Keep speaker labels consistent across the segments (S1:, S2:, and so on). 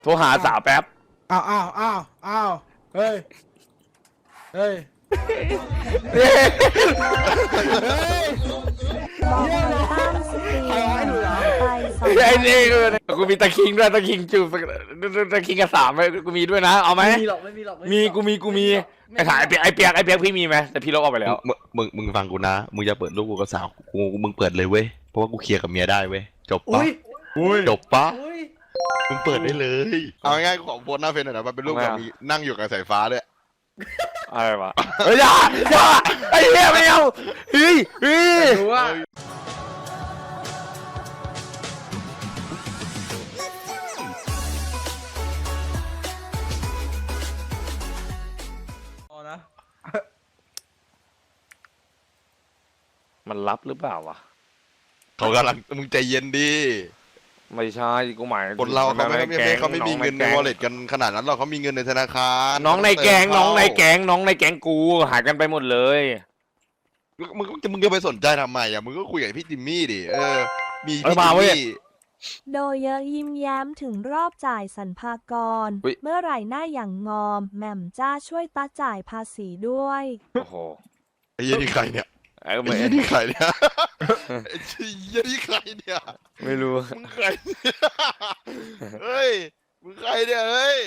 S1: โทรหาสาวแป๊บ
S2: อ้าวเฮ้ยเฮ้ย
S3: บอกมาตั้งสตรีมไปสอง
S1: ไอ้นี่กูมีตะคิงด้วยตะคิงจูบตะคิงกับสามกูมีด้วยนะเอาไหม
S4: ไม่มีหรอกไม่มีหรอก
S1: มีกูมีไอ้ถ่ายไอ้เปียกพี่มีไหมแต่พี่ลบออกไปแล้ว
S5: มึงฟังกูนะมึงจะเปิดรูปกูกับสาวมึงเปิดเลยเว้ยเพราะว่ากูเคลียร์กับเมียได้เว้ยจบปะ
S4: อุ้ย
S5: จบปะ
S4: อุ้ย
S5: มึงเปิดได้เลยเอาง่ายๆกูขอโพสหน้าเฟซหน่อยนะมันเป็นรูปแบบมีนั่งอยู่กับสายฟ้าเลย
S1: อะไรวะเฮ้ยอย่าไอ้เหี้ยไม่เอาเฮ้ย
S4: รู้ว่านะ
S1: มันรับหรือเปล่าวะ
S5: เขากำลังมึงใจเย็นดิ
S1: ไม่ใช่กูหมาย
S5: คนเราเขาไม่
S1: แก๊ง
S5: เขาไม่มีเงินใน wallet กันขนาดนั้นหรอกเขามีเงินในธนาคาร
S1: น้องในแก๊งกูหายกันไปหมดเลย
S5: มึงจะไปสนใจทำไมอ่ะมึงก็คุยกับพี่จิมมี่ดิมี
S1: เออ
S5: พี่
S1: มา
S5: จิม
S1: เว้ย
S5: มี่
S3: โดยเยอะยิ้มแย้มถึงรอบจ่ายสรรพากร
S1: อุ๊ย
S3: เมื่อไหร่หน้าอย่างงอมแหม่มจ้าช่วยตาจ่ายภาษีด้วย
S1: โอ้โห
S5: ไอ้เหี้ยนี่ใครเนี่ย
S1: ไอ้
S5: ไอ้
S1: ไม่
S5: เหี้ยนี่ใครเนี่ยไอ้เหี้ยนี่ใครเนี่ย
S1: ไม่รู้
S5: มึงใครเนี่ยเฮ้ยมึงใครเนี่ยเฮ้ย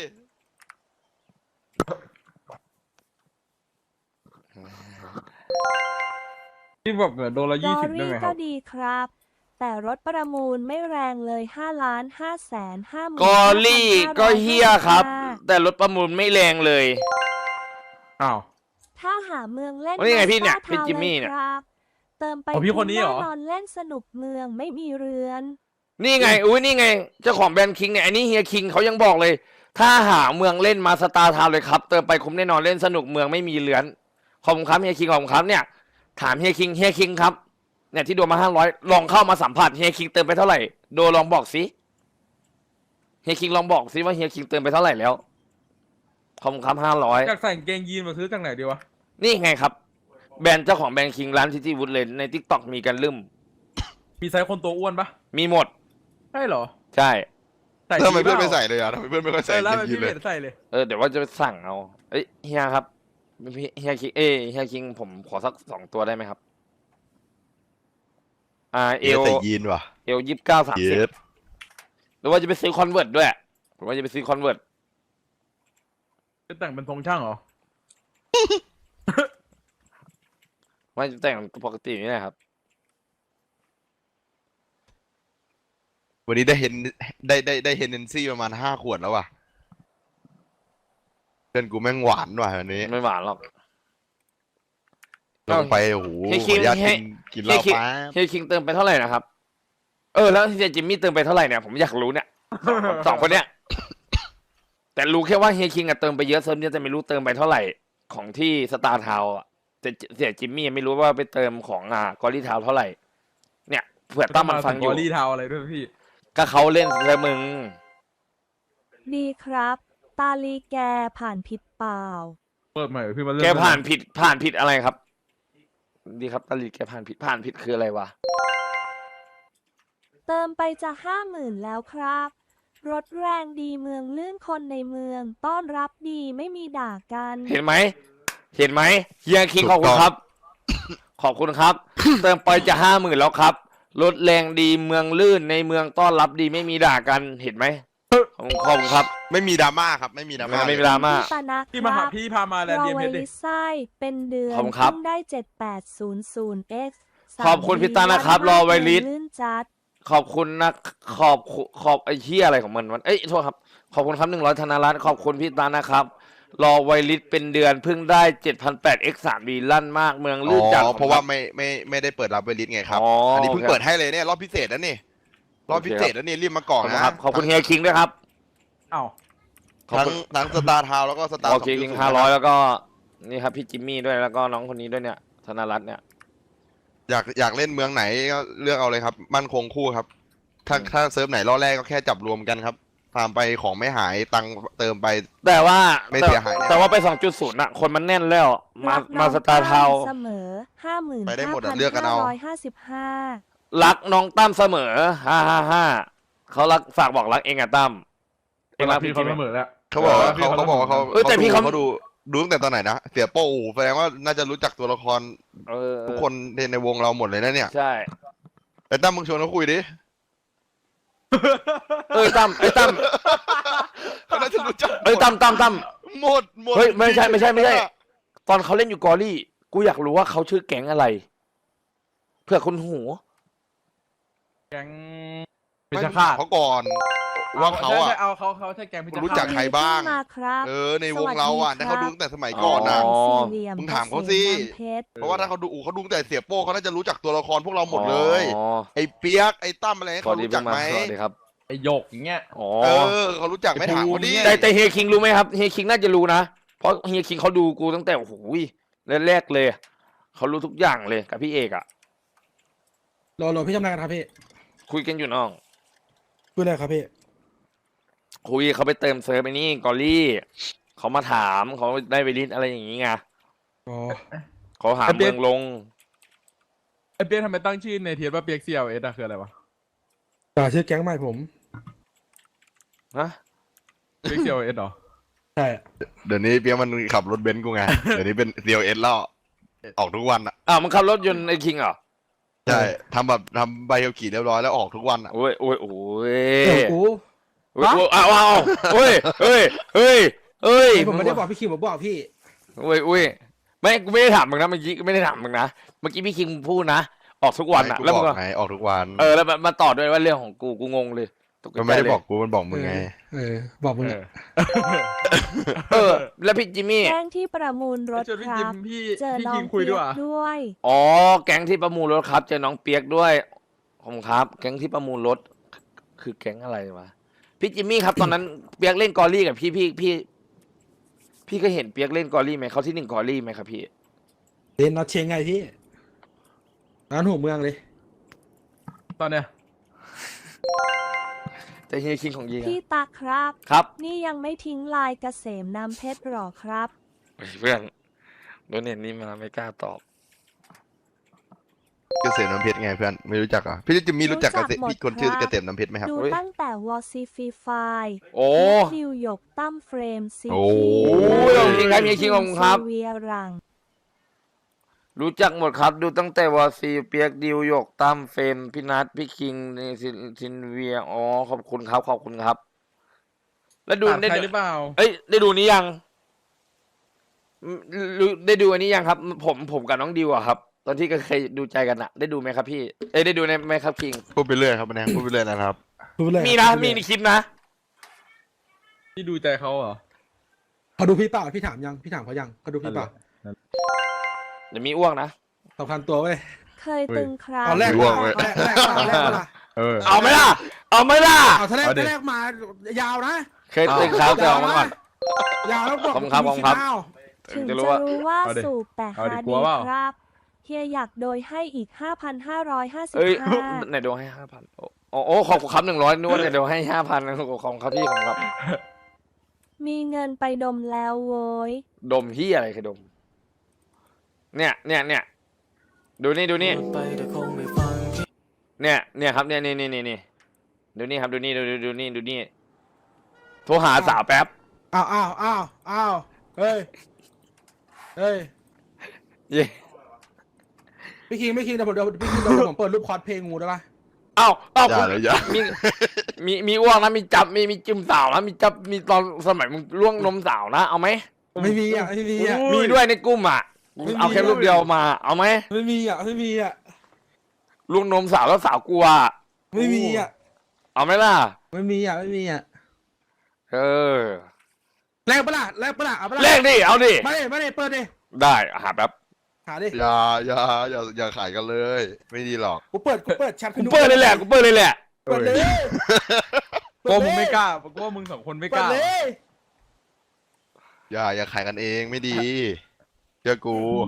S2: ที่บอกเกิดโดนละ
S3: ดอ
S2: 20ได้
S3: รี่
S2: ไหมค
S3: ก็
S2: รับ
S3: ดีครับ แต่รถประมูลไม่แรงเลย5,550,000
S1: กอลี่ก็เฮียครับ แต่รถประมูลไม่แรงเลย
S2: อ้าว
S3: ถ้าหาเมืองเล่น
S1: นี่ไงพี่เนี่ย
S3: Monster
S1: พี่จิมมี่
S3: Town
S1: เนี่ย
S3: ลครับเติมไป
S2: อ๋อพี่คนนี้เหรอ
S3: แน่นอนเล่นสนุกเมืองไม่มีเรือน
S1: นี่ไงอุ้ยนี่ไงเจ้าของแบรนด์คิงเนี่ยอันนี้เฮียคิงเขายังบอกเลย ถ้าหาเมืองเล่นมาสตาร์ทาวน์เลยครับเติมไปคุ้มแน่นอนเล่นสนุกเมืองไม่มีเลือนขอบคุณครับเฮียคิงขอบคุณครับเนี่ยถามเฮียคิงครับเนี่ยที่โดนมา500ลองเข้ามาสัมผัสเฮียคิงเติมไปเท่าไหร่โดลองบอกสิเฮียคิงลองบอกสิว่าเฮียคิงเติมไปเท่าไหร่แล้วขอบคุณครับ500
S2: อยากใส่กางเกงยีนมาซื้อจากไหนดีวะ
S1: นี่ไงครับแบรนด์เจ้าของแบรนด์คิงร้านทิตี้วูดเลยในทิกตอกมีกันลืม
S2: มีไซส์คนตัวอ้วนปะ
S1: มีหมด
S2: ใช่เหรอ
S1: ใช่
S2: ใส่
S5: ทำไมเพื่อน
S2: ดี
S5: ไม่
S2: ปล่า
S5: ใส่เลยอ่ะทำไมเพื่อนไม่ค่อย
S2: เอ
S5: ใส่
S2: อแล้ว
S5: เกงยี
S2: พี่
S5: นเล
S2: เม
S5: ย
S2: ดใส่เลย
S1: เดี๋ยวว่าจะไปสั่งเอาเอ้ยเฮียครับเฮียคิงเฮียคิงผมขอสัก2 ตัวได้ไหมครับเอ
S5: เอ
S1: ล
S5: ใส่ยีนว่ะ
S1: 29
S5: เย็ด
S1: 30หรือว่าจะไปซื้อคอนเวิร์ตด้วยผมว่าจะไปซื้อคอนเวิร์ต
S2: จะแต่งเป็นทรงช่างเหรอ
S1: ว่าจะแต่งปกตินี่แหละครับ
S5: วันนี้ได้เห็นได้เฮนเนนซี่ประมาณ5 ขวดแล้วว่ะเพื่อนกูแม่งหวานว่ะวันนี้
S1: ไม่หวานหรอก
S5: ลงไปโอ้โห
S1: เฮีย
S5: ข
S1: คิ
S5: อง อนุญาต
S1: เฮีย
S5: กินเหล้าแป๊บ
S1: เฮียคิงเติมไปเท่าไหร่นะครับแล้วเฮียจิมมี่เติมไปเท่าไหร่เนี่ยผมอยากรู้เนี่ยสองคนเนี้ยแต่รู้แค่ว่าเฮียคิงอะเติมไปเยอะเซิร์ฟเนี่ยแต่ไม่รู้เติมไปเท่าไหร่ของที่สตาร์ทาวน์อะแต่เสียจิมมี่ไม่รู้ว่าไปเติมของกอรี่ทาวน์เท่าไหร่ เนี่ยเผื่อตั้มมันฟังอยู่
S2: บอลี่เทาอะไรด้วยพี่
S1: ก็เขาเล่นแล้วมึง
S3: ดีครับ ตาลีแกผ่านผิดเปล่า
S2: เปิดใหม่เหรอพี่มาเริ่ม
S1: แกผ่านผิดอะไรครับ ดีครับตาลีแกผ่านผิดคืออะไรวะ
S3: เติมไปจะ50,000แล้วครับ รถแรงดีเมืองลื่นคนในเมือง ต้อนรับดีไม่มีด่ากัน
S1: เห็นไหมเฮียคิงขอบคุณครับ ขอบคุณครับ เติมไปจะ50,000แล้วครับรถแรงดีเมืองลื่นในเมืองต้อนรับดีไม่มีด่ากันเห็นไหมขอบคุณครับ
S5: ไม่มีดราม่าครับไม่มีดราม่า
S1: ไม่มีดราม่า
S3: พี่ปานะค
S2: พี่มาหา
S3: รับ
S2: พี่พามาแลน
S3: ร
S2: ด์
S3: อ
S2: เดียม
S3: ไว
S2: เพชรดิ
S3: ลิไส้เป็นเดือน
S1: ขอบคุณครับ
S3: เพิ่งได้ 7800x
S1: ขอบคุณพี่ตานะครับรอไวลิส
S3: ลื่นจัด
S1: ขอบคุณนะขอบไอ้เหี้ยอะไรของมันเอ้ยโทษครับขอบคุณครับ100ธนารัตน์ขอบคุณพี่ตานะครับรอไวลิสเป็นเดือนเพิ่งได้ 7,800x 3D ลั่นมากเมืองลื่นจัด
S5: เพราะว่าไม่ได้เปิดรับเวลิสไงครับ
S1: อ๋ออั
S5: อันนี้เพิ่ง
S1: โอเค
S5: เปิดให้เลยเนี่ยรอบพิเศษนะนี่รอบพิเศษนะนี่รีบมาก่อนนะครับ
S1: ขอบคุณเฮียคิงด้วยครับ
S2: อ้าว
S1: ขอบ
S5: ทั้ง
S1: คุณ
S5: ทั้งสตาร์ทาวแล้วก็สตาร์
S1: โอเคคิง500แล้วก็นี่ครับพี่จิมมี่ด้วยแล้วก็น้องคนนี้ด้วยเนี่ยธนรัตน์เนี่ย
S5: อยากเล่นเมืองไหนก็เลือกเอาเลยครับมั่นคงคู่ครับ ถ้าเซิร์ฟไหนรอบแรกก็แค่จับรวมกันครับตามไปของไม่หายตังค์เติมไป
S1: แต่ว่า
S5: ไม่เสียหายแน่
S1: แต่ว่าไป 2.0น่ะคนมันแน่นแล้วมา
S3: รักน้
S1: มา
S3: อง
S1: สตาร์ทาวน์
S3: เสมอ
S5: ไปได้หมดอะเลือกกันเอา
S3: 55,555
S1: รักน้องตั้มเสมอ555เขารักฝากบอกรักเองอะตั้มเอ็งรัก
S4: พี่
S1: พี่
S4: เขา
S1: จิม
S4: เสม
S1: มี่
S4: อแล้ว
S5: เขาบอกว่าเขาบอกว่าเขา
S1: แต่พี่เขา
S5: ดูตั้งแต่ตอนไหนนะเสียโป้แสดงว่าน่าจะรู้จักตัวละคร
S1: เออ
S5: ทุกคนในวงเราหมดเลยนะเนี่ย
S1: ใช่
S5: ไอ้ตั้มมึงชวนเขาคุยดิ
S1: ตั้มตั้ม
S5: เขาน่าจะรู้จัก
S1: ตั้ม
S5: หมด
S1: เฮ้ยไม่ใช่ตอนเขาเล่นอยู่กอรี่กูอยากรู้ว่าเขาชื่อแก๊งอะไรเพื่อคุณหู
S4: แก๊ง
S5: ไม่
S4: พิช
S5: ถา
S4: ฆาม ต
S5: เขาก่อนว่าเขาอะ
S4: ใช่เอาเขาใช่แก๊งพิชฆาต
S5: รู้จักใครบ้าง
S3: มาครับ
S5: ในวงเราอ่ะ
S3: สวัสดีครับ
S5: ถ้าเขาดูตั้งแต่สมัยก่อนนะ
S3: สี่เหลี่ยม
S5: มึงถามเขาสิ
S3: กษมน้ำเพชร
S5: เพราะว่าถ้าเขาดูตั้งแต่เสียโป้เขาน่าจะรู้จักตัวละครพวกเราหมดเลย
S1: อ๋อ
S5: ไอ้เปียกไอ้ตั้มอะไร
S1: สวั
S5: เขา
S1: สดี
S5: รู้จักไหม
S1: สวัสดีครับ
S4: ไอหยกอย่างเงี้ย
S1: อ๋อ
S5: เขารู้จักไหม่ถามเขาดิ
S1: แต่เฮียคิงรู้ไหมครับเฮียคิงน่าจะรู้นะเพราะเฮียคิงเขาดูกูตั้งแต่โอ้โหแรกๆเลยเขารู้ทุกอย่างเลยกับพี่เอกอะ
S2: โหลพี่ทำอะไรกันครับพี่
S1: คุยกันอยู่น้อง
S2: พูดอะไรครับพี่
S1: คุยเขาไปเติมเซิร์ฟไอ้นี่กอรี่เขามาถามเขาได้ไปลิสอะไรอย่างงี้ไง
S2: อ๋อ
S1: เขาหาเมืองลง
S4: ไอเปียกทำไมตั้งชื่อในเทียว่าเปียก CLS อะคืออะไรวะ
S2: ชื่อแก๊งใหม่ผม
S1: ฮะ
S4: เปียก CLS เหรอ
S2: ใช่
S5: เดี๋ยวนี้เปียกมันขับรถเบนซ์กูไง เดี๋ยวนี้เป็น CLS แล้วออกทุกวันอ่ะ
S1: อ้าวมันขับรถยนต์ไอ้คิงเหรอ
S5: ใช่ทำใบขับขี่เรียบร้อยแล้วออกทุกวันอ่ะ
S1: โอ้ยโอ้ยโอ้ย
S2: กู
S1: โอ้ยอ้าวเฮ้ยเฮ้ยเฮ้ยเฮ้ย
S2: ผมไม่ได้บอกพี่คิมผมบอกพี่
S1: โอ้ยโอ้ยไม่กูไม่ได้ถามมึงนะเมื่อกี้ไม่ได้ถามมึงนะเมื่อกี้พี่คิงพูดนะออกทุกวันอะ
S5: กู
S1: แล้ว
S5: บ
S1: มึ
S5: อง ก
S1: ก็
S5: ไงออกทุกวัน
S1: แล้วมาต่อด้วยว่าเรื่องของกูงงเลยตกใจ
S5: มันไม่ได้
S1: เลย
S5: บอกกูมันบอกมึงไง
S2: บอกมึง
S4: เอ
S2: อะ
S4: อ
S1: แล้วพี่จิมมี่
S3: แก๊งที่ประมูลรถ
S4: ชวนพี่
S3: ค
S4: จิ
S3: รั
S4: ม
S3: บ
S4: พี่
S3: เจอ
S4: พี่
S3: น้อ
S4: คิ
S3: ง
S4: งคุย
S3: เปี
S4: ด้วย
S3: ย
S4: วะ
S3: กด้วย
S1: อ๋อแก๊งที่ประมูลรถครับเจอน้องเปียกด้วยผมครับ แก๊งที่ประมูลรถคือแก๊งอะไรวะพี่จิมมี่ครับตอนนั้นเปียกเล่นกอรี่กับพี่ก็เห็นเปียกเล่นกอรี่ไหมเขาที่หนึ่งกอรี่ไหมครับพี่
S2: เล่นน็อตเชงไงพี่ร้านหัวเมืองเลย
S4: ตอนเนี้ย
S1: แต่เฮียคิงของยี
S3: พี่ตาครับ
S1: ครับ
S3: นี่ยังไม่ทิ้งลายเกษมน้ำเพชรหรอครับ
S1: เฮ้ยเพื่อนโดนเน็ตนี่มาไม่กล้าตอบ
S5: เกษมน้ำเพชรไงเพื่อนไม่รู้จักเหรอ่ะพี่จะมีรู้จักเกษมพี่คนชื่อเกษมน้ำเพชรไหมครับ
S3: ดูตั้งแต่วอซีฟีไฟ
S1: โอ้
S3: ดิวหยกตั้มเฟรมซี
S5: โอ้
S1: ยขอบคุณครับเฮียคิงขอบคุณครับ
S3: เวียรัง
S1: รู้จักหมดครับ ดูตั้งแต่วอซีเปียกดิวหยกตั้มเฟรมพี่นัทพี่คิงซินเวียอ๋อขอบคุณครับขอบคุณครับ แล้วดู
S4: ถาม
S1: ได้
S4: ใคร
S1: ดู
S4: หรือเปล่า
S1: เอ้ยได้ดูนี้ยังได้ดูอันนี้ยังครับ ผมกับน้องดิวอะครับ ตอนที่ก็เคยดูใจกันอะได้ดูไหมครับพี่เอ้ยได้ดูในไหมครับคิง
S5: พูดไปเรื่อยครับแนงพูดไปเรื่อยนะครับ
S2: พูดเลย
S1: มีนะมีในคลิปนะ
S4: พี่ดูใจเขาเหรอ
S2: เขาดูพี่เปล่าพี่ถามยังพี่ถามเขายังเขาดูพี่เปล่า
S1: เดี๋ยวมีอ้วกนะ
S2: สำคัญตัวเว้ย
S3: เคยตึงครับ
S2: เอาแรก
S5: ร่วง
S2: มา
S5: เว้ย
S2: แรกมาแรกมา
S4: เออ
S1: เอาไหมล่ะเอาไหมล่ะ
S2: เอาถ้าแรก
S4: เอาดิ
S2: ถ้าแรกมายาวนะ
S1: เคยตึงครับแต่ออกมาก่อน
S2: ยาวแล้วบอก
S1: ขอบคุณครับขอบคุณครับ
S2: เอา
S3: ถึง
S1: จะ
S3: จะ
S1: รู้ว่า
S3: รู้ว่า
S4: เอาดิ
S3: สูบแต่
S4: เอา
S3: หา
S4: ดิกลั
S3: ดี
S4: วเปล่า
S3: ครับ เฮียอยากโดยให้อีก
S1: เอ้ย
S3: 5,555
S1: ไหนเดี๋ยวให้5,000โอ้ขอบคุณครับ100นึกว่าเดี๋ยวให้5,000นะขอบคุณครับพี่ขอบคุณครับ
S3: มีเงินไปดมแล้วโว้ย
S1: ดมที่อะไรคือดม เนี่ยดูนี่เนี่ยครับเนี่ยนี่ดูนี่ครับดูนี่ดูนี่โทรหาสาวแป๊บ
S2: อ้าวเฮ้ยเฮ้ย
S1: เย่
S2: พี่คิงเดี๋ยวผมเปิดรูปคอร์สเพลงงูได้ปะ
S1: เอ้า
S5: อย่าเลยอย่า
S1: มีอ้วกนะมีจับมีจิ้มสาวนะมีจับมีตอนสมัยมึงล่วงนมสาวนะเอาไหม
S2: ไม่มีอ่ะไม่มีอ่ะ
S1: มีด้วยในกลุ่มอ่ะ
S2: ไม่มี
S1: เอาแค่รูปเดียวมาเอาไหม
S2: ไม่มีอ่ะไม่มีอ่ะ
S1: ล่วงนมสาวแล้วสาวกลัว
S2: ไม่มีอ่ะ
S1: เอาไหมล่ะ
S2: ไม่มีอ่ะไม่มีอ่ะ
S1: เออ
S2: แลกปะล่ะเอาปะล่ะ
S1: เลขดิเอาดิ
S2: ไม่ได้เปิดดิ
S1: ได้หาแป๊บ
S2: หาดิ
S5: อย่าขายกันเลย ไม่ดีหรอก
S2: กูเปิดแชท
S1: กูเปิดเลยแหละ
S2: เปิดเลย
S4: กลัวมึงไม่กล้ากลัวมึงสองคนไม่ก
S2: เปิด
S4: ล้า
S2: เลย
S5: อย่าขายกันเองไม่ดีเชื่อกู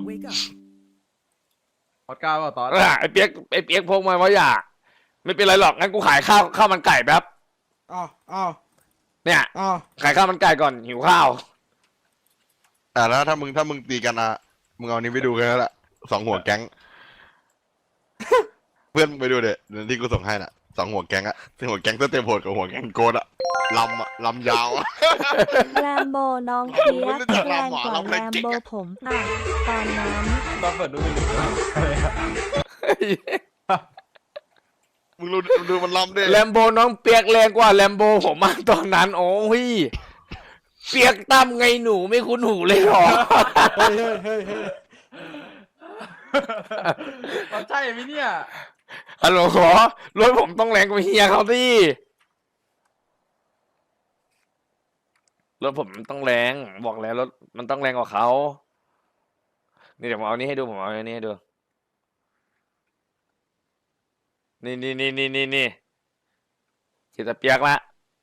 S4: พอดกล้าเปล่าตอน
S1: ไอ้เปียกพกมาว่าอย่าไม่เป็นไรหรอกงั้นกูขายข้าวมันไก่แป๊บ
S2: อ้าว
S1: เนี่ย
S2: อ้าว
S1: ขายข้าวมันไก่ก่อนหิวข้าว
S5: แล้วถ้ามึงตีกันนะมึงเอานี้ไปดูกันแล้วแหละ2 หัวแก๊ง เพื่อนมึงไปดูเดี๋ยวที่กูส่งให้น่ะสองหัวแก๊งอะหัวแก๊งสเต็ปโหดกับหัวแก๊งโกดอะลำยาวอะ
S3: แรมโบน้องเปีย
S5: ไม่
S3: ก
S5: รู้จัก
S3: แรง
S5: หมอก
S3: ว่า
S5: เรา
S3: แร
S5: ไม่
S3: ม
S5: เก่ง
S3: โบ
S5: อะ
S3: ผมอ่ะตอนนั้น
S4: ตอนเปิดดูไม่รู้อะไรอะ
S5: มึงดูมันลำดิ
S1: แลมโบน้องเปียกแรงกว่าแลมโบผมมากตอนนั้นโอ้ยเปียกตั้มไงหนูไม่คุ้นหูเลยเหรอ
S2: เฮ้ยเฮ้ยเฮ้ย
S4: มันใช่ไหมเนี่ย
S1: ฮัลโหลขอรถผมต้องแรงกว่าเฮียเขาสิรถผมต้องแรงบอกแล้วรถมันต้องแรงกว่าเขานี่เดี๋ยวผมเอานี้ให้ดูผมเอาอันนี้ให้ดูนี่คิดจะเปียกละ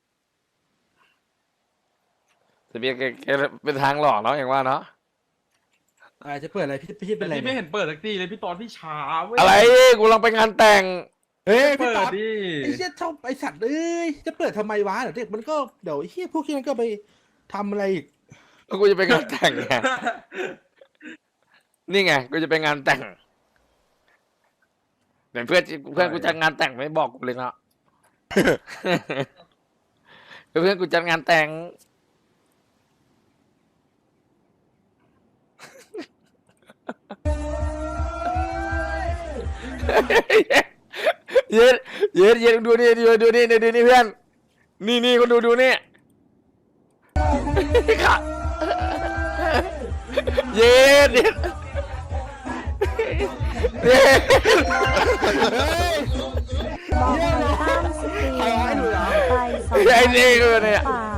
S1: จะเปียกแกเป็นทางหลอกเนาะอย่างว่าเนาะ
S2: จะเปิดอะไรพี่เป็นอะไร
S4: พี่ไม่
S2: เนี่ย
S4: เห็นเปิดสักทีเลยพี่ตอนพี่ช้าเว้ย
S1: อะไรกูลังไปงานแต่ง
S2: เฮ้ยพี่
S4: เปิ
S2: ต๊
S4: ด
S2: อด
S4: ดิ
S2: ไอ้เชี่ยชอบไอ้สัตว์เอ้ยจะเปิดทำไมวะเดี๋ยวเด็กมันก็เดี๋ยวไอ้เชี่ยพวกที่นั้นก็ไปทำอะไรอีก
S1: แล้วกูจะไปงานแต่งไง นี่ไงกูจะไปงานแต่งเดี๋ยวเพื่อนกูจัดงานแต่งไม่บอกกูเลยเนาะ เพื่อนกูจัดงานแต่ง เย็นดูนี่ดูนี่ดูนี่เพื่อนนี่คนดูนี่ ค่ะเย็นเย็น
S3: บอกมาตั้งสตรีมไปสอง
S1: ไอ้นี่ก็เนี่ย
S3: เปล่า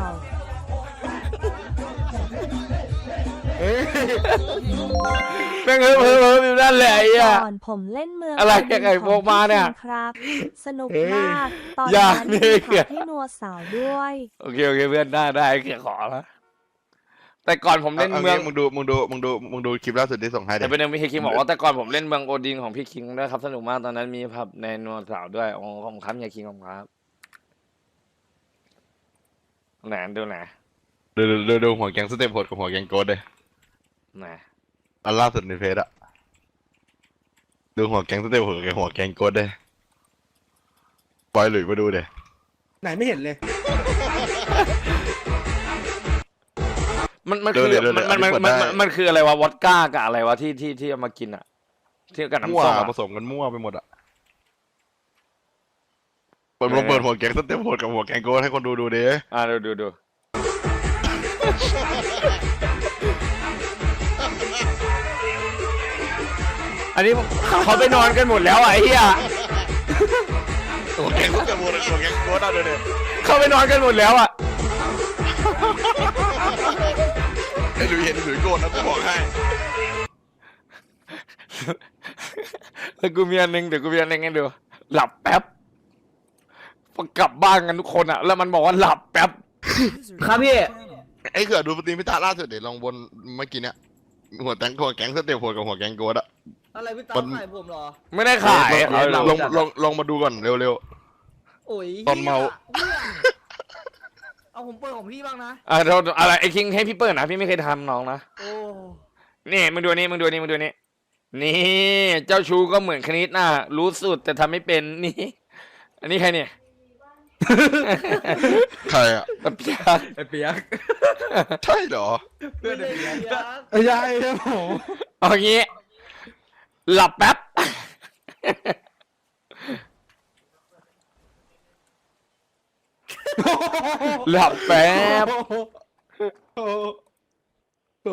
S1: แม่งเฮ้ยอยู่นั่นแหละไอ้อะ
S3: ก่อนผมเล่นเมือง
S1: อะไร
S3: ดิน
S1: แกไก่
S3: ของ
S1: โบกมาเนี่ย
S3: พี่คิงครับ สนุกมาก ตอน
S1: อย่า
S3: นั้น
S1: นี่
S3: มีขับให้นัวสาวด้วย
S1: โอเคเพื่อนได้เขียขอแล้วแต่ก่อนผมเล่นเมือง
S5: มึงดูคลิปล่าสุดที่ส่งให้เด็
S1: แต่เป็นหนึ่งพี่คิงบอกว่าแต่ก่อนผมเล่นเมืองโอดินของพี่คิงด้วยครับสนุกมากตอนนั้นมีผับในนัวสาวด้วยโอ้ขอบคุณครับเฮียคิงขอบคุณครับไหนดูไหน
S5: ดูหัวแก๊งสเต็ปโหดกับหัวแก๊งโกดเลย
S1: ไหน
S5: อันล่าสุดในเฟซอะดูหัวแก๊งสเต็ปโหดกับหัวแก๊งโกดเลยปล่อยหลุยมาดูเด้
S2: ไหนไม่เห็นเลย
S1: มันคือมันคืออะไรวะวอดก้ากับอะไรวะที่เอามากินอะที่กับ
S5: มั่ว
S1: น้ำส้มอะ
S5: ผสมกันมั่วไปหมดอะเปิดหัวแก๊งสเต็ปโหดกับหัวแก๊งโกดให้คนดูดิ
S1: ดู อันนี้เขาไปนอนกันหมดแล้วอะไอ้เหี้ย
S5: หัวแก๊งสเต็ปโหดกับหัวแก๊งโกดเอาเด้
S1: เขาไปนอนกันหมดแล้วอะ
S5: ไอ้หลุยเห็นหลุยโกรธนะกูบอกให้
S1: แล้วกูมีอันนึงเดี๋ยวกูมีอันนึงให้ดูหลับแป๊บพอกลับบ้านกันทุกคนอะแล้วมันบอกว่าหลับแป๊บ
S6: ครับพี่
S5: ไอ้เขื่อดูปฏิมิตาล่าสุดเดี๋ยวลองบนเมื่อกี้เนี้ยหัวแก๊งสเต็ปโหดกับหัวแก๊งโกดอะ
S6: อะไรพี่ตา
S5: มัน
S6: ขายผมเหรอ
S1: ไม่ได้ขาย
S5: ลองมาดูก่อนเร็ว
S6: โอ้ย
S5: ตอนเมา
S6: หี้ยเอาผมเปิดของพี่บ้างนะ
S1: อะไรไอ้คิงให้พี่เปิดนะพี่ไม่เคยทำน้องนะ
S6: โอ้
S1: นี่มึงดูนี่นี่เจ้าชูก็เหมือนคณิตน่ะรู้สุดแต่ทำไม่เป็นนี่ อันนี้ใครเนี่ย
S5: ๆใครอะ
S1: ตะเปียก
S4: ไอ้เปียก
S5: ใช่เหรอ
S4: เพื่อนไอ้เปียก
S2: ไอ้ยายครับผม
S1: เอางี้ หลับแป๊บ หลับแป๊บ
S2: โอ้โห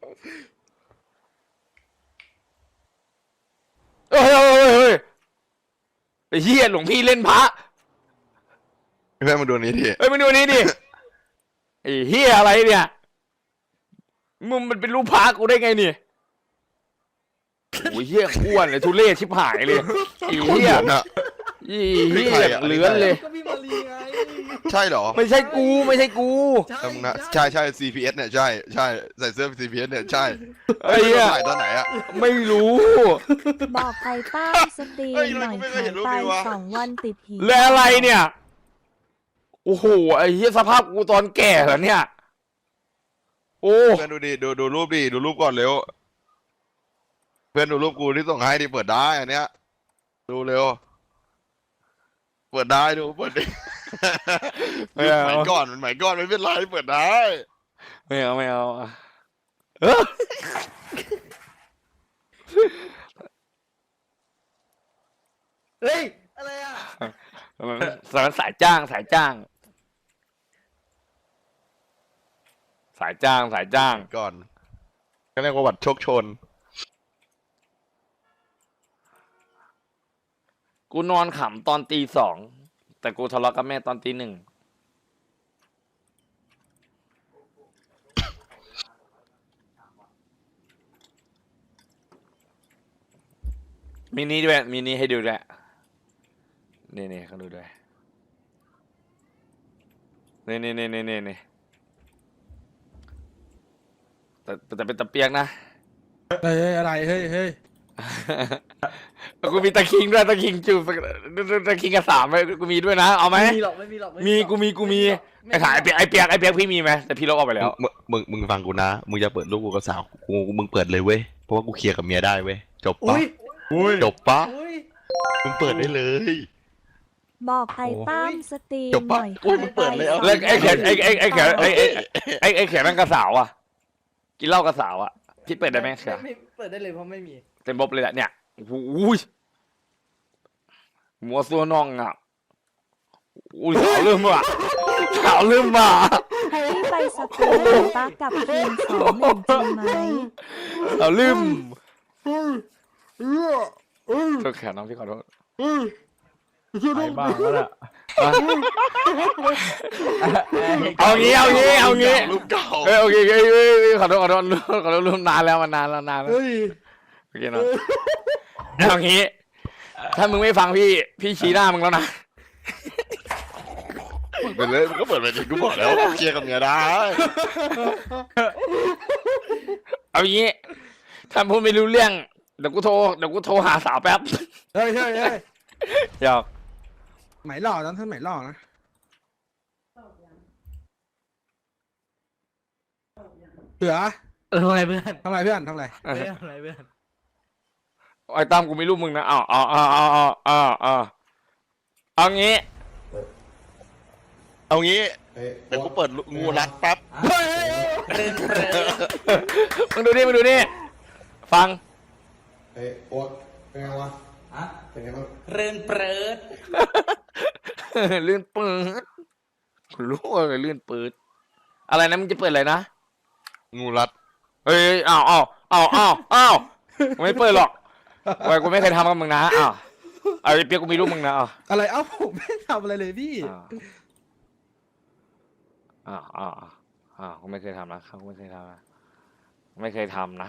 S1: เฮ้ยไอ้เหี้ยหลวงพี่เล่นพระ
S5: เพื่อนมาดูนี้ที
S1: เฮ้ยมาดูนี่ดิ ไอ้เหี้ยอะไรเนี่ยมึงมันเป็นรูปพระกูได้ไงเนี่ยโอ้ยเหี้ยอ้วนเลยทุเรศชิบหายเลยไอ้
S5: คน
S1: เหี้ย
S5: เหมือนอะ
S1: อีเหี้ยอย่างเหลือนเลย
S6: ก็พี่มารีไง
S5: ใช่เหรอ
S1: ไม่ใช่กู
S5: จำนะใช่ CPS เนี่ยใช่ใส่เสื้อ CPS เนี่ยใช่
S1: ไอ้เหี้ย
S5: ถ่ายตอนไหนอะ
S1: ไม่รู้
S3: บอกไปตั้งสตรีม
S5: เฮ้ย
S3: หน่อย
S5: ทำไมกูไม่เค
S3: หาย ย
S5: เห็นรูป
S3: ไป
S5: นี้วะ
S3: 2 วันติดหี
S1: แล้วอะไรเนี่ย โอ้โห ไอ้เหี้ยสภาพกูตอนแก่เหรอเนี่ย โอ้
S5: เพื่อนดูดิดูรูปดิดูรูปก่อนเร็ว เพื่อนดูรูปกูที่ส่งให้ดิเปิดได้อันเนี้ย ดูเร็วเปิดได้ดูเปิดดิ
S1: ไม่เอา
S5: หมายก่อนมันหมายก่อนไม่เป็นไรเปิดได้
S1: ไม่เอาไม่เอาเออ
S6: เฮ้ย อะไรอ่ะ
S1: สายจ้างสายจ้าง สายจ้างสายจ้าง
S5: ก่อนก็เรียกว่าวัดโชคชน
S1: กูนอนขำตอนตี 2แต่กูทะเลาะกับแม่ตอนตี 1มินิด้วยมินิให้ดูด้วยนี่เขาดูด้วยนี่แต่เป็นตะเปียกนะ
S2: เฮ้ยอะไรเฮ้ยเฮ้ย
S1: กูมีตะคิงด้วยตะคิงจูบตะคิงกับ3ไปกูมีด้วยนะเอาไหม
S6: ไม่มีหรอกไม่มีหรอกไ
S1: มีกูมีไอ้ขายไอ้เปียกพี่มีไหมแต่พี่ลบออกไปแล้ว
S5: มึงฟังกูนะมึงจะเปิดรูปกูกับสาวมึงเปิดเลยเว้ยเพราะว่ากูเคลียร์กับเมียได้เว้ยจบปะ
S6: อุ้ย
S5: จบปะ
S6: อุ้ย
S5: มึงเปิดได้เลย
S3: บอกไอ้ตั้มสตรีม
S5: จบ
S3: ห
S5: ปะ
S3: น่อย
S5: อุ้ยมึงเปิดเลยเอา
S1: แล้วไอ้แขนไอ้แขนนั่งกับสาวอ่ะกินเหล้ากับสาวอ่ะพี่เปิดได้ไหมครับ
S6: ไม่เปิดได้เลยเพราะไม่มี
S1: เต็มบบเลยแหละเนี่ยโอ้โหมัวซัวน่องอ่ะอุ้ยสาวเริ่มมา
S3: พี่ไปสกูลปากับทีม2-1จริงไหม
S1: สาวลืมโทษแขนน้องพี่ขอโทษ
S4: ไปบ้างแล้วล่ะ
S1: เอางี้
S5: รูปเก่า
S1: โอเคขอโทษลืมนานแล้วมันนานแล้ว
S2: เฮ้ย
S1: โอเคเนาะเอางี้ ถ้ามึงไม่ฟังพี่ชี้หน้ามึงแล้วนะ
S5: เปิดเลยมึงก็เปิดไปดิกูบอกแล้วเคลียร์กับเมียได้
S1: เอางี้ถ้าพูดไม่รู้เรื่องเดี๋ยวกูโทรหาสาวแป๊บ
S2: เฮ้ยเฮ้ยเฮ้ย
S1: หยอก
S2: ไหมหล่อนั้นท่านไหมหล่อนะเสือ
S6: ทำอะไรเพื่อน
S2: ทำไรเพื่อนทำไร
S6: เพื่อนทำอะไรเพื่อน
S1: ไอ้ตั้มกูไม่รู้มึงนะเอางี้
S5: เอางี้เดี๋ยวกูเปิดงูรัดแป๊บ
S1: มึงดูนี่ฟัง
S7: เอ้ยโอ๊ตเป็นไงวะเป็นไงบ้าง
S1: ลื่นเปิดรู้ว่าลื่นเปิดอะไรนะมึงจะเปิดอะไรนะ
S5: งูรัด
S1: เฮ้ยอ้าวไม่เปิดหรอกไว้กูไม่เคยทำกับมึงนะอ้าวไอ้เปียกกูมีรูปมึงนะอ้าว
S2: อะไรเอ้าผมไม่ทำอะไรเลยพี่
S1: กูไม่เคยทำนะเขาไม่เคยทำนะไม่เคยทำ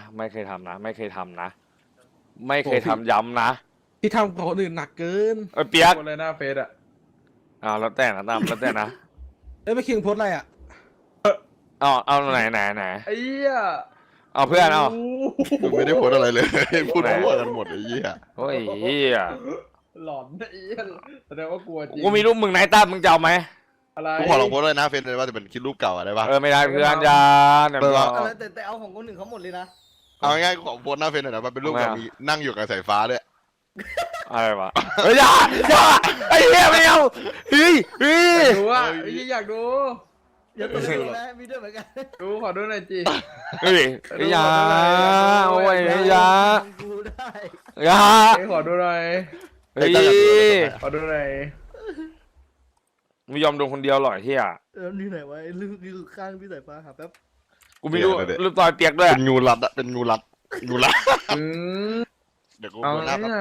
S1: ย้ำนะ
S2: พี่ทำกับคนอื่นหนักเกิน
S1: ไอ้เปียก
S4: คนเลยหน้าเฟซอ่ะ
S1: แล้วแต่นะตั้มแล้วแต่นะ
S2: เอ้ยไปคิงโพสอะไรอ่ะ
S1: เอาไหน
S4: ไอ้เหี้ย
S1: เอาเพื่อนเอา
S5: กูไม่ได้พูดอะไรเลย พูดมั่วกันหมดไอ้เหี้ย
S1: โอ้ยเฮีย
S4: หลอนไอ้เหี้ยแสดงว่ากลัวจริง
S1: กูมีรูปมึงไหนตั้มมึงจะเอาไหม
S4: อะไร
S5: กูขอลองโพสเลยนะเฟซเลยว่าจะเป็นคลิปรูปเก่าอะได้ปะ
S1: ไม่ได้เพื่อนยาเดี๋ยว
S6: แต่เอาของคนอื่นเขาหมดเลยนะ
S5: เอาง่ายๆกูขอโพสหน้าเฟซหน่อยนะมันเป็นรูปแบบมีนั่งอยู่กับสายฟ้าด้วย
S1: อะไรวะอย่าไอ้เหี้ยไม่เอาเฮ้ย
S4: อยากดูอ่ะไอ้เหี้ยอยากดู
S6: เดี๋ยวตัวเองนะมีด้วยเหมือนกัน
S4: ดูขอดูหน่อยจี
S1: อย่าโอ้ยอย่า
S6: กูได้
S1: อย่า
S4: ไอ้ขอดูหน่อย
S1: เฮ้ย
S4: ขอดูหน่อย
S1: ไม่ยอมโดนคนเดียวหรอกเฮีย
S6: นี่ไหนวะลูกอยู่ข้างพี่สายฟ้าหาแป๊บ
S1: กูมีรูปต่อยเปียกด้วย
S5: เป็นงูรัดอะเป็นงูรัด
S4: อืม
S5: เดี๋ยวกู
S4: เอา
S5: โพสหน้าแป๊บ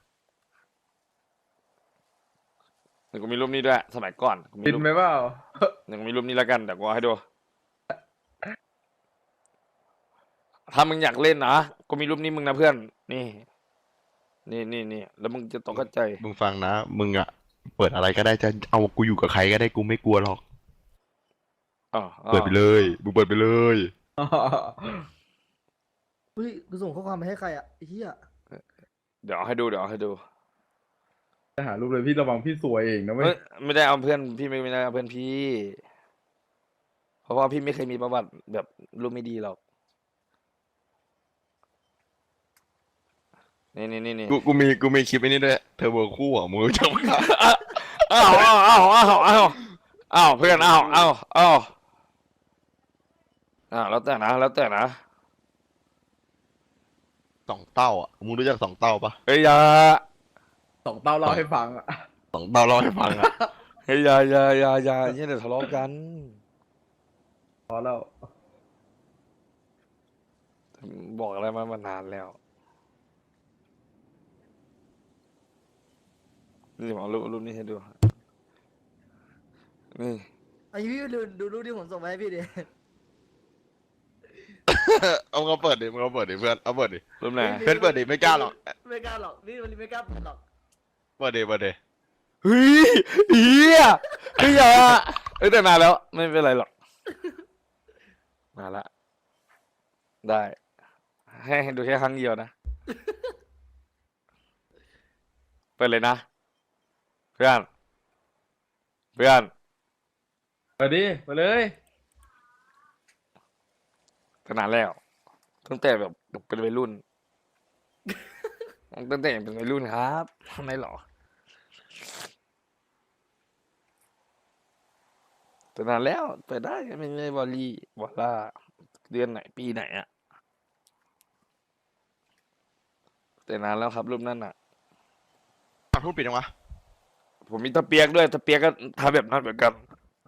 S1: เดี๋ยวกูมีรูปนี้ด้วยสมัยก่อนกูมี
S4: ปิด
S1: รูป
S4: ไหมเปล่า
S1: เดี๋ยวกูมีรูปนี้แล้วกันเดี๋ยวกูเอาให้ดูถ้ามึงอยากเล่นนะกูมีรูปนี้มึงนะเพื่อนนี่แล้วมึงจะตกใจ
S5: มึงฟังนะมึงอะเปิดอะไรก็ได้จะเอากูอยู่กับใครก็ได้กูไม่กลัวหรอกเปิดไปเลยมึงเปิดไปเลย
S6: เฮ้ยกูส่งข้อความไปให้ใครอ่ะไอ้เหี้ย
S1: เดี๋ยวเอาให้ดู
S4: จะหารูปเลยพี่ระวังพี่สวยเองนะเว้ย
S1: ไม่ได้เอาเพื่อนพี่ไม่ได้เอาเพื่อนพี่ เพราะว่าพี่ไม่เคยมีประวัติแบบรูปไม่ดีหรอกนี่
S5: กูมีคลิปไอ้นี้ด้วยเทอร์โบคู่อ่ะมึงรู้จักไหม
S1: อ้าวเพื่อนอ้าวแล้วแต่นะ
S5: สองเต้าอ่ะมึงรู้จักสองเต้าปะ
S1: เฮ้ยอย่า
S4: สองเต้าเล่าให้ฟังอะ
S5: สองเต้าเล่าให้ฟังอ่ะ
S1: เฮ้ยอย่าเนี่ยเดี๋ยวทะเลาะกัน
S4: พอแล้ว
S1: บอกอะไรมานานแล้วนี่ผมเอารูปนี้ให้ดูนี่
S6: ไอ้พี่ดูรูปที่ผมส่งไปให้พี่ดิ
S5: เอาเปิดดิมึงเอาเปิดดิเพื่อนเอาเปิดดิ
S1: รูปไหน
S5: เพื่อนเปิดดิไม่กล้าหรอก
S6: ไม่กล้าหรอกนี่มันไม่กล้าเปิดหรอก
S5: เปิดดิ
S1: เฮ้ยเฮียเฮ้ยอย่าแต่นานแล้วไม่เป็นไรหรอกมาละได้ให้ดูแค่ครั้งเดียวนะเปิดเลยนะเพื่อน
S4: ไปดิไปเลย
S1: แต่นานแล้วตั้งแต่แบบเป็นวัยรุ่นตั้งแต่เป็นวัยรุ่นครับทำไมหรอแต่นานแล้วเปิดได้ไม่บอลลี่วอลล่าเดือนไหนปีไหนอะแต่นานแล้วครับรูปนั้นอะ
S5: พูดปิดยังวะ
S1: ผมมีตะเปียกด้วยตะเปียกก็ทำแบบนั้นเหมือนกัน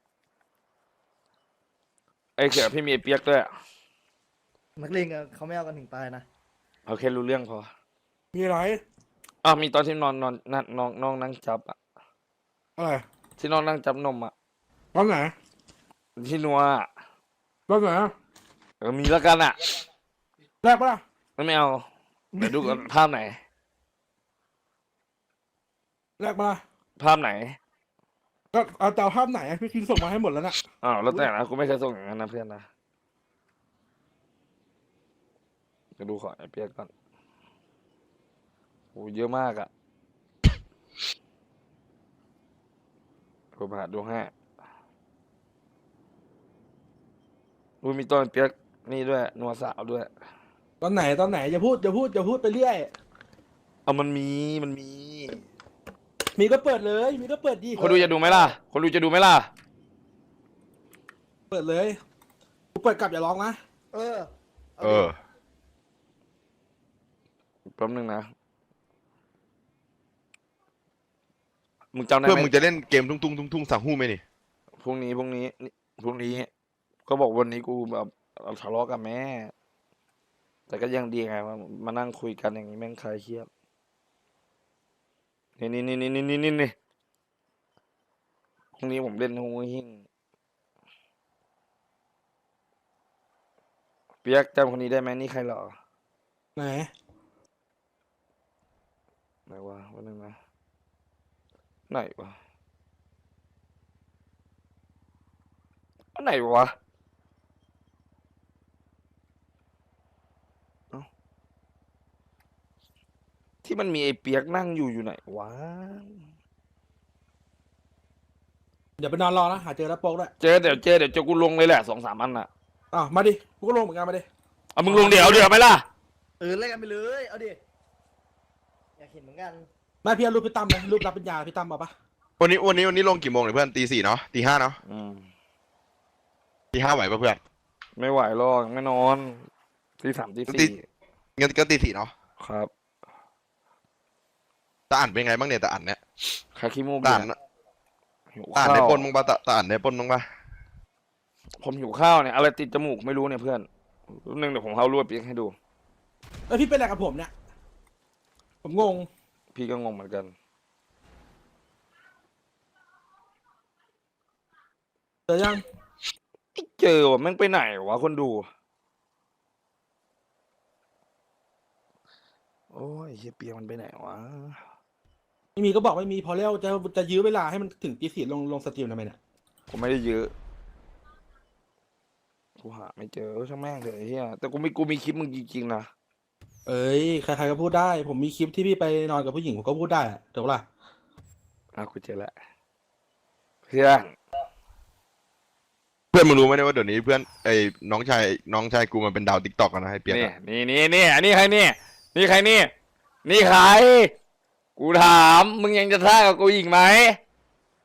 S1: ไอ้เขียพี่มีไอ้เปียกด้วย
S6: นักเลงอะเขาไม่เอากันถึงตายนะ
S1: เอาแค่รู้เรื่องพอ
S2: มีอะไร
S1: อ้าวมีตอนที่นอนนั่งน้องนั่งจับอะ
S2: อะไร
S1: ที่น้องนั่งจับนมอะ
S2: ตอนไหน
S1: ที่นัวอะ
S2: ตอนไหน
S1: มีแล้วกันอะ
S2: แรกปะล่ะ
S1: ไม่เอาเดี๋ยวดูก่อนภาพไหน
S2: แรกปะล่ะ
S1: ภาพไหน
S2: ก็เอาเตาภาพไหนอะพี่คิงส่งมาให้หมดแล้วน่ะ
S1: อ้าวแล้วแต่นะกูไม่เคยส่งอย่างนั้นนะเพื่อนนะจะดูขอไอ้เปียกก่อนโอ้เยอะมากอะผมหาดูให้มีตอนเปียกนี่ด้วยนัวสาวด้วย
S2: ตอนไหนอย่าพูดไปเรื่อย
S1: เอามันมี
S2: มีก็เปิดเลย มีก็เปิดดี
S1: คนดูจะดูไหมล่ะ คนดูจะดูไหมล่ะ
S2: เปิดเลยกูเปิดกลับอย่าร้องนะ
S6: เออ
S5: เออ
S1: แป๊บนึงนะ มึงจำได้
S5: เพื่อน
S1: ไหม
S5: มึงจะเล่นเกมทุ่งสั่งหู้ไหมนี่
S1: พรุ่งนี้ ก็บอกวันนี้กูแบบทะเลาะกับแม่ แต่ก็ยังดีไงมานั่งคุยกันอย่างนี้แม่งคลายเครียดนี่พรุ่งนี้ผมเล่นหูหิ้งเปียกจำคนนี้ได้ไหมนี่ใครเหรอ
S2: ไหน
S1: ไหนวะวันนึงนะไหนวะอันไหนวะเอ้าที่มันมีไอ้เปียกนั่งอยู่ไหนวะ
S2: เดี๋ยวไปนอนรอนะหาเจอแล้วโป๊กด้วย
S1: เดี๋ยวกูลงเลยแหละ2-3 อันน่ะ
S2: อ่ะมาดิกูก็ลงเหมือนกันมาดิ
S1: เอามึงลงเดี๋ยวไหมล่ะ
S6: เล่นกันไปเลยเอาดิอยากเห็นเหมือนกัน
S2: แม่พี่เอารูปพี่ตั้มเลยรูปรับปัญญาพี่ตั้มมาปะ
S5: วันนี้ลงกี่โมงเนี่ยเพื่อนตี 4เนาะตี 5เนาะ
S1: อืม
S5: ตี 5ไหวปะเพื่อน
S1: ไม่ไหวหรอกไม่นอน3
S5: ตี
S1: 4
S5: งั้นก็ตี 4เนาะ
S1: ครับ
S5: ตาอ่านเป็นไงบ้างเนี่ยตาอ่านเนี่ย
S1: คาคิมู
S5: ตา
S1: บิ
S5: อ่าน
S1: หิว
S5: ตาอ่าน
S1: ข้า
S5: ได้
S1: ว
S5: ปนมึงปะตาอ่านได้ปนมึงปะ
S1: ผมหิวข้าวเนี่ยอะไรติดจมูกไม่รู้เนี่ยเพื่อนรูปนึงเดี๋ยวผมเอารวดเปียกให้ดู
S2: แล้วพี่เป็นอะไรกับผมเนี่ยผมงง
S1: พี่ก็งงเหมือนกัน
S2: เจอยัง
S1: ไม่เจอว่ะแม่งไปไหนวะคนดูโอ้ยเฮียเปียกมันไปไหนวะ
S2: ไม่มีก็บอกไม่มีพอแล้วจะยื้อเวลาให้มันถึงตี 4ลงสตรีมทำไมเนี่ย
S1: ผมไม่ได้เยอะกูหาไม่เจอช่างแม่งเลยไอ้เฮียแต่กูมีคลิปมึงจริงๆนะ
S2: เอ้ยใครๆก็พูดได้ ผมมีคลิปที่พี่ไปนอนกับผู้หญิงผมก็พูดได้อะถูกปะล่ะ
S1: กูเจอแล้วเพื่อน
S5: เพื่อนมึงรู้ไหมเนี่ยว่าเดี๋ยวนี้เพื่อนไอ้น้องชายกูมันเป็นดาวติ๊กต็อกนะไอ้เปียก
S1: นี่
S5: อะ
S1: นี่อันนี้ใครนี่นี่ใครนี่ใครกูถามมึงยังจะท่ากับกูอีกไหม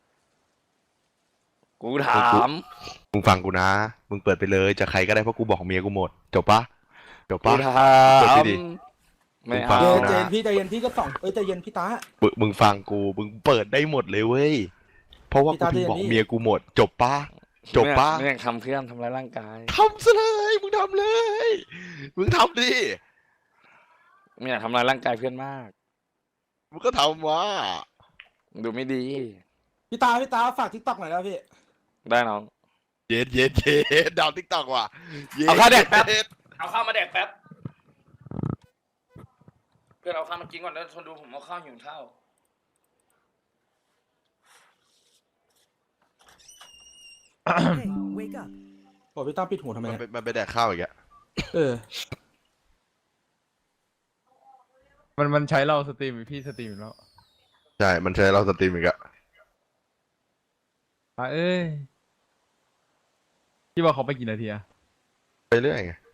S1: กูถาม
S5: มึงฟังกูนะ มึงเปิดไปเลยจะใครก็ได้เพราะกูบอกเมียกูหมด จบปะจบ
S1: กู
S5: ปะ
S1: ถา
S5: เปิด
S1: ม
S5: ดิ
S1: ไม่
S5: ฟั
S1: เอา
S5: ง
S2: เจ
S5: นะ
S2: นพี่ใจเย็นพี่ก็ส่องใจเย็นพี่ตา
S5: มึงฟังกูมึงเปิดได้หมดเลยเว้ยเพราะว่า
S2: พี่
S5: กู
S2: ตา
S5: ถึงบอก
S2: เดี๋ยวนี้
S5: เมียกูหมด จบปะจบปะ
S1: ไม่อยากทำเพื่อนทำร้ายร่างกาย
S5: ทำซะเลยมึงทำเลยมึงทำดิ
S1: ไม่อยากทำร้ายร่างกายเพื่อนมาก
S5: มึงก็ทำวะ
S1: ดูไม่ดี
S2: พี่ตาฝากทิกตอกหน่อยแล้วพี่
S1: ได้น้อง
S5: เย็ดเย็ดเย็ดดาวติ๊กต็อกว่ะย็
S1: เอาข้าวแดกแป๊บ
S5: ย็
S1: เอาข้าวมาแดกแป๊บ เพื่อนเอาข้าวมากินก่อนแล้วทนดูผมเอาข้าวหิวข้าว
S2: บอกพี่ตาปิดหูทำไม
S5: มัน
S2: เนี่ย
S5: ไปมันไปแดกข้าวอีกอะ
S2: เออ
S4: มันใช้เราสตรีมพี่สตรีมอยู่แล้ว
S5: ใช่มันใช้เราสตรีมอีกอะ
S4: เอ้ยพี่บอกเขาไปกี่นาทีอะ
S5: ไปเรื่อยไง